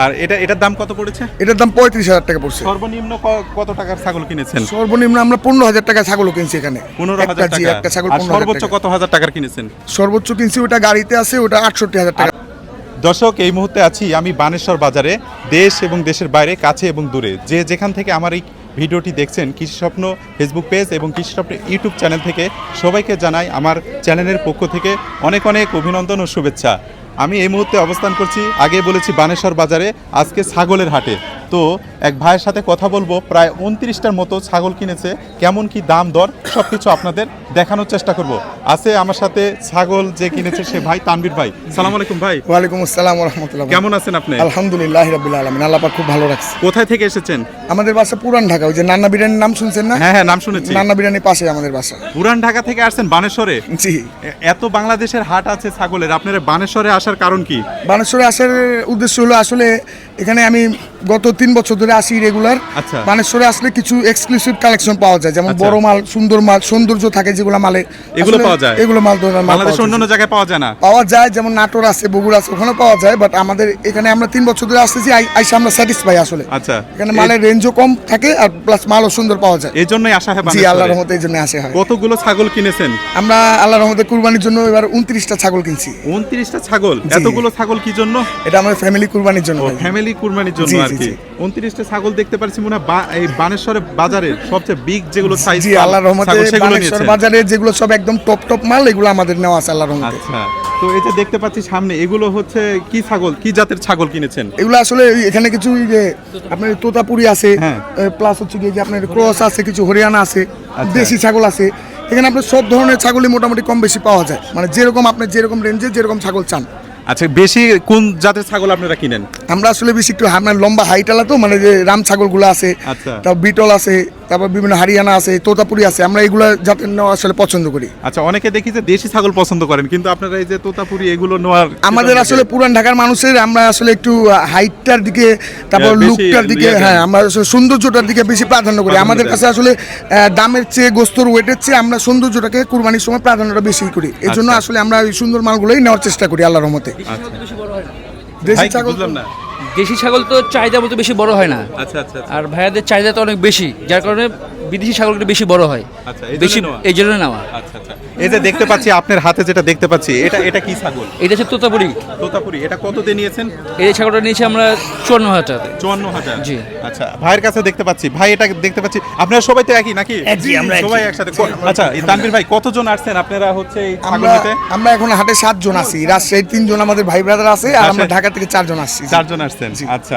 আর এটার দাম কত পড়েছে? এটার দাম 35,000 টাকা পড়ছে। সর্বনিম্ন কত টাকার ছাগল কিনেছেন? সর্বনিম্ন আমরা 15,000 টাকা ছাগল কিনছি এখানে। 15,000 টাকা। একটা ছাগল আর 15,000 সর্বোচ্চ টাকা। কত হাজার টাকার কিনেছেন? সর্বোচ্চ কিনছি ওটা গাড়িতে আছে, ওটা 68,000 টাকা। দর্শক, এই মুহূর্তে আছি আমি বানেশ্বর বাজারে। দেশ এবং দেশের বাইরে, কাছে এবং দূরে, যে যেখান থেকে আমার এই ভিডিওটি দেখছেন, কৃষি স্বপ্ন ফেসবুক পেজ এবং কৃষি স্বপ্ন ইউটিউব চ্যানেল থেকে সবাইকে জানাই আমার চ্যানেলের পক্ষ থেকে অনেক অনেক অভিনন্দন ও শুভেচ্ছা। আমি এই মুহূর্তে অবস্থান করছি, আগে বলেছি বানেশ্বর বাজারে, আজকে ছাগলের হাটে। তো এক ভাইয়ের সাথে কথা বলবো, প্রায় 29টার মতো ছাগল কিনেছে। কেমন কি দাম দর সব কিছু আপনাদের দেখানোর চেষ্টা করব। আছে আমার সাথে ছাগল যে কিনেছে সে ভাই, তানভীর ভাই। সালাম আলাইকুম ভাই। ওয়ালাইকুম আসসালাম ওয়া রাহমাতুল্লাহ। কেমন আছেন আপনি? আলহামদুলিল্লাহ রাব্বিল আলামিন, আল্লাহ পাক খুব ভালো রাখছে। কোথায় থেকে এসেছেন? আমাদের বাসা পুরান ঢাকা, ওই যে নান্না বিরিয়ানির নাম শুনছেন না? হ্যাঁ হ্যাঁ, নাম শুনেছি। নান্না বিরিয়ানির পাশে আমাদের বাসা। পুরান ঢাকা থেকে আসছেন বানেশ্বরে? জি। এত বাংলাদেশের হাট আছে ছাগলের, আপনারা বানেশ্বরে আসার কারণ কি? বানেশ্বরে আসার উদ্দেশ্য হলো, আসলে এখানে আমি গত 3 বছর ধরে আসি রেগুলার। আচ্ছা। বানেশ্বরে আসলে কিছু এক্সক্লুসিভ কালেকশন পাওয়া যায়, যেমন আচ্ছা। বড় মাল, সুন্দর মাল, সৌন্দর্য থাকে যেগুলো মালে, এগুলো আসলে পাওয়া যায়? এগুলো মাল ধরনের মাল বাংলাদেশের অন্যান্য জায়গায় পাওয়া যায় না? পাওয়া যায়, যেমন নাটোর আছে, বগুড়া আছে, ওখানে পাওয়া যায়। বাট আমাদের এখানে আমরা 3 বছর ধরে আসতেছি, আইসা আমরা স্যাটিসফাই আসলে। আচ্ছা। এখানে মালের রেঞ্জও কম থাকে আর প্লাস মালও সুন্দর পাওয়া যায়। এই জন্যই আসা হয় জি, বানেশ্বরে? আল্লাহর রহমতে এই জন্য আসে হয়। কতগুলো ছাগল কিনেছেন? আমরা আল্লাহর রহমতে কুরবানির জন্য এবার 29টা ছাগল কিনছি। 29টা ছাগল? জি। এতগুলো ছাগল কি জন্য? এটা আমাদের ফ্যামিলি কুরবানির জন্য। ভাই। ফ্যামিলি কুরবানির জন্য জি, আর জি, কি। জি। 29টা ছাগল দেখতে পাচ্ছি মনে হয় এই বানেশ্বরের বাজারের সবচেয়ে বিগ যেগুলো সাইজ। জি, আল্লাহর রহমতে সেগুলো বানেশ্বর নিয়েছেন? বাজারে যেগুলো সব একদম টপ মাল, এগুলো আমাদের নেওয়া আছে আল্লাহর রহমতে। আচ্ছা। তো এই যে দেখতে পাচ্ছি সামনে, এগুলো হচ্ছে কি ছাগল, কি জাতের ছাগল কিনেছেন? এগুলো আসলে এখানে কিছু এই যে আপনার তোতাপুরি আছে, হ্যাঁ। প্লাস হচ্ছে কি যে আপনার ক্রস আছে, কিছু হরিয়ানা আছে, আচ্ছা। দেশি ছাগল আছে। এখানে আপনার সব ধরনের ছাগলই মোটামুটি কম বেশি পাওয়া যায়, মানে যেরকম আপনি যেরকম রেঞ্জে যেরকম ছাগল চান। আচ্ছা, বেশি কোন জাতের ছাগল আপনারা কিনেন? আমরা আসলে বেশি একটু আপনার লম্বা হাইটালা, তো মানে যে রাম ছাগলগুলো আছে, আচ্ছা। তারপর বিটল আছে, তারপর বিভিন্ন হরিয়ানা আছে, তোতাপুরি আছে, আমরা এগুলো জাতের নেওয়া আসলে পছন্দ করি। আচ্ছা, অনেকে দেখি যে দেশি ছাগল পছন্দ করেন, কিন্তু আপনারা এই যে তোতাপুরি এগুলো নেওয়ার আমাদের আসলে পুরান ঢাকার মানুষের আমরা আসলে একটু হাইটটার দিকে, তারপর বেশি লুকটার দিকে, ইয়ে দেন। হ্যাঁ আমরা আসলে সৌন্দর্যটার দিকে বেশি প্রাধান্য করি। প্রাধান্য আমাদের দেন। কাছে আসলে দামের চেয়ে, গোস্তর ওয়েটের চেয়ে আমরা সৌন্দর্যটাকে কুরবানির সময় প্রাধান্যটা বেশি করি। এই জন্য আচ্ছা। আসলে আমরা এই সুন্দর মালগুলোই নেওয়ার চেষ্টা করি আল্লাহর রহমতে। দেশি ভাই, ছাগল বুঝলাম না। দেশি ছাগল তো চাহিদা মতো বেশি বড় হয় না, আচ্ছা আচ্ছা আচ্ছা। আর ভাইয়াদের চাহিদা তো অনেক বেশি, যার কারণে বিদেশি ছাগলগুলো বেশি বড় হয়। আচ্ছা, এই জন্য বেশি নেওয়া? এই জন্য নেওয়া। আচ্ছা আচ্ছা। এই যে দেখতে পাচ্ছি আপনার হাতে যেটা দেখতে পাচ্ছি, এটা কি ছাগল? এটা হচ্ছে তোতাপুরি। তোতাপুরি। এটা কত দিয়ে নিয়েছেন? এই ছাগলটা নিয়েছি আমরা 54,000 টাকা। 54,000? জি। আচ্ছা, ভাইয়ের কাছে দেখতে পাচ্ছি, ভাই এটা দেখতে পাচ্ছি আপনারা সবাই তো একই নাকি? জি, আমরা একই। সবাই একসাথে। আচ্ছা, এই তানভীর ভাই, কতজন আসছেন আপনারা হচ্ছে এই ছাগল আমরা নিতে? আমরা এখন হাটে 7 জন আছি, রাজশাহীর 3 জন আমাদের ভাই ব্রাদার আছে, আর আমরা রাজশাহী- ঢাকা থেকে 4 জন আসছি। 4 জন আসছেন। আচ্ছা,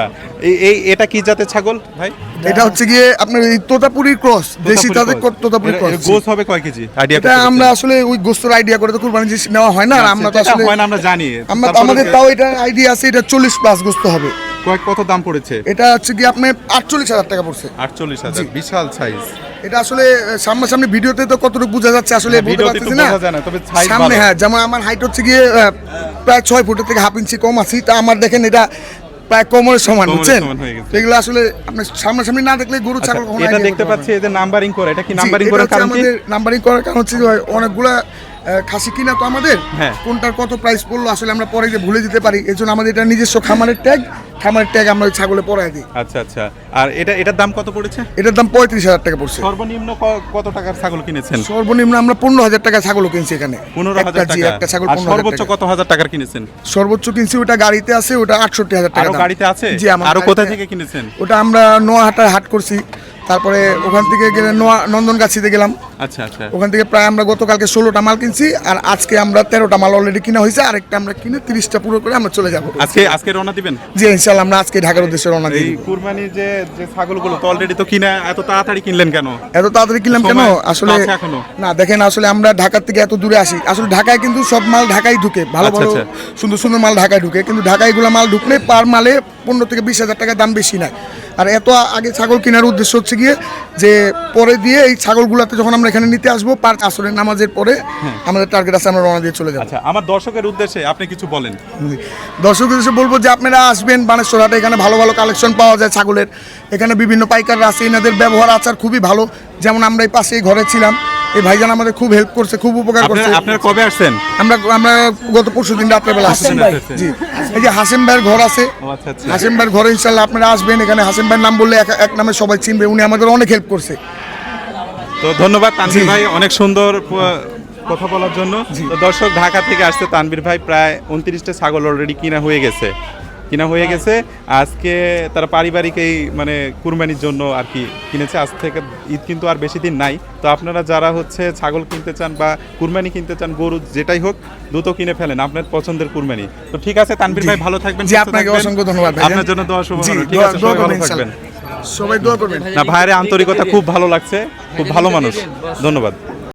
এটা কি জাতের ছাগল ভাই? এটা হচ্ছে গিয়ে আপনার এই তোতাপুরির ক্রস, দেশি তাদের তোতাপুরি ক্রস। গোস হবে কয় কেজি আইডিয়া? এটা আমরা আসলে ওই গোস্তর আইডিয়া করে তো কুরবানি জিনিস নেওয়া হয় না, আর আমরা তো আসলে হয় না, আমরা জানি। আমাদের তাও এটা আইডিয়া আছে, এটা 40 প্লাস গোস্ত হবে। কত দাম পড়েছে? এটা হচ্ছে কি আপনার 48,000 টাকা পড়ছে। 48,000? জি। বিশাল সাইজ। এটা আসলে সামনাসামনি ভিডিওতে তো কতটুকু বোঝা যাচ্ছে আসলে বলতে ভিডিওতে পারতেছি একটু না। বোঝা যায় না, তবে size সামনে ভালো। হ্যাঁ, যেমন আমার হাইট হচ্ছে গিয়ে প্রায় 6 ফুটের থেকে হাফ ইঞ্চি কম আছি, তা আমার দেখেন এটা প্রায় কোমরের সমান, কোমরের বুঝছেন? সমান হয়ে গেছে। এগুলো আসলে আপনার সামনাসামনি না দেখলে গরু আচ্ছা, ছাগল কখনো এটা idea দেখতে করতে পাচ্ছি পারবে না। এই যে নাম্বারিং করা, এটা কি জি, নাম্বারিং এটা করার হচ্ছে কারণ কি? আমাদের নাম্বারিং করার কারণ হচ্ছে যে অনেকগুলা খাসি কিনা তো আমাদের, হ্যাঁ। কোনটার কত প্রাইস পড়লো আসলে আমরা পরে যে ভুলে যেতে পারি, এই জন্য আমাদের এটা নিজস্ব খামারের ট্যাগ আমরা ওই ছাগলে পরাই দিই। আচ্ছা আচ্ছা। আর এটার দাম কত পড়েছে? এটার দাম 35,000 টাকা পড়ছে। সর্বনিম্ন কত টাকার ছাগল কিনেছেন? সর্বনিম্ন আমরা 15,000 টাকা ছাগল কিনছি এখানে। 15,000 জি, টাকা। একটা ছাগল আর 15,000 সর্বোচ্চ টাকা। কত হাজার টাকার কিনেছেন? সর্বোচ্চ কিনছি ওটা গাড়িতে আছে, ওটা 68,000 টাকা আরো দাম। গাড়িতে আছে? জি, আমার আরো গাড়িতে- কোথা থেকে কিনেছেন? ওটা আমরা নোয়াহাটায় হাট করছি, তারপরে ওখান থেকে গেলে নন্দনগাছিতে গেলাম। আচ্ছা আচ্ছা। ওখান থেকে প্রায় আমরা গতকালকে 16টা মাল কিনছি, আর আজকে আমরা 13টা মাল অলরেডি কিনা হয়েছে, আরেকটা আমরা কিনে 30টা পুরো করে আমরা চলে যাবো। আজকে রওনা দিবেন? জি, ইনশাআল্লাহ আমরা আজকে ঢাকার উদ্দেশ্যে রওনা এই দিই। কুরবানির যে ছাগলগুলো তো অলরেডি তো কিনা, এত তাড়াতাড়ি কিনলেন কেন? এত তাড়াতাড়ি কিনলাম কেন সময় আসলে? আছে এখনো? না দেখেন, আসলে আমরা ঢাকার থেকে এত দূরে আসি, আসলে ঢাকায় কিন্তু সব মাল ঢাকায় ঢুকে, ভালো আচ্ছা, ভালো আচ্ছা। সুন্দর সুন্দর মাল ঢাকায় ঢুকে, কিন্তু ঢাকায় এগুলো মাল ঢুকলে পার মালে 15 থেকে 20,000 টাকা দাম বেশি নাই। আর এত আগে ছাগল কেনার উদ্দেশ্য হচ্ছে গিয়ে যে পরে দিয়ে এই ছাগলগুলোতে যখন আমরা এখানে নিতে আসবো, পাঁচ আসরের নামাজের পরে আমাদের টার্গেট আছে, আমরা রওনা দিয়ে চলে যাবো। আচ্ছা, আমার দর্শকের উদ্দেশ্যে আপনি কিছু বলেন। দর্শকদের এসে বলবো যে আপনারা আসবেন বানেশ্বর হাটে, এখানে ভালো ভালো কালেকশন পাওয়া যায় ছাগলের। এখানে বিভিন্ন পাইকাররা আছে, এনাদের ব্যবহার আচার খুবই ভালো। যেমন আমরা এই পাশেই ঘরে ছিলাম, এই ভাইজান আমাদের খুব হেল্প করছে, খুব উপকার করছে। আপনারা কবে আসছেন? আমরা গত পরশুদিন রাত্রেবেলা আসছি। জি, এই যে হাসিম ভাইয়ের ঘর আছে, আচ্ছা আচ্ছা। হাসিম ভাইয়ের ঘরে ইনশাল্লাহ আপনারা আসবেন। এখানে হাসিম ভাইয়ের নাম বললে এক নামে সবাই চিনবে, উনি আমাদের অনেক হেল্প করছে। তো ধন্যবাদ তানভীর ভাই অনেক সুন্দর কথা বলার জন্য। তো দর্শক, ঢাকা থেকে আসছে তানভীর ভাই, প্রায় 29টা ছাগল অলরেডি কিনা হয়ে গেছে। আজকে তারা পারিবারিক এই মানে কুরবানির জন্য আর কি কিনেছে। আজ থেকে ঈদ কিন্তু আর বেশি দিন নাই। তো আপনারা যারা হচ্ছে ছাগল কিনতে চান বা কুরবানি কিনতে চান, গরু যেটাই হোক, দ্রুত কিনে ফেলেন আপনার পছন্দের কুরবানি। তো ঠিক আছে তানভীর ভাই, ভালো থাকবেন। জি, আপনাকে অসংখ্য ধন্যবাদ ভাই। আপনার জন্য দোয়া শুভকামনা। ঠিক আছে, দোয়া সবাই ভালো করবেন থাকবেন। ইনশাল্লাহ। সবাই দোয়া করবেন। না, ভাইয়ের আন্তরিকতা খুব ভালো লাগছে, খুব ভালো মানুষ। ধন্যবাদ।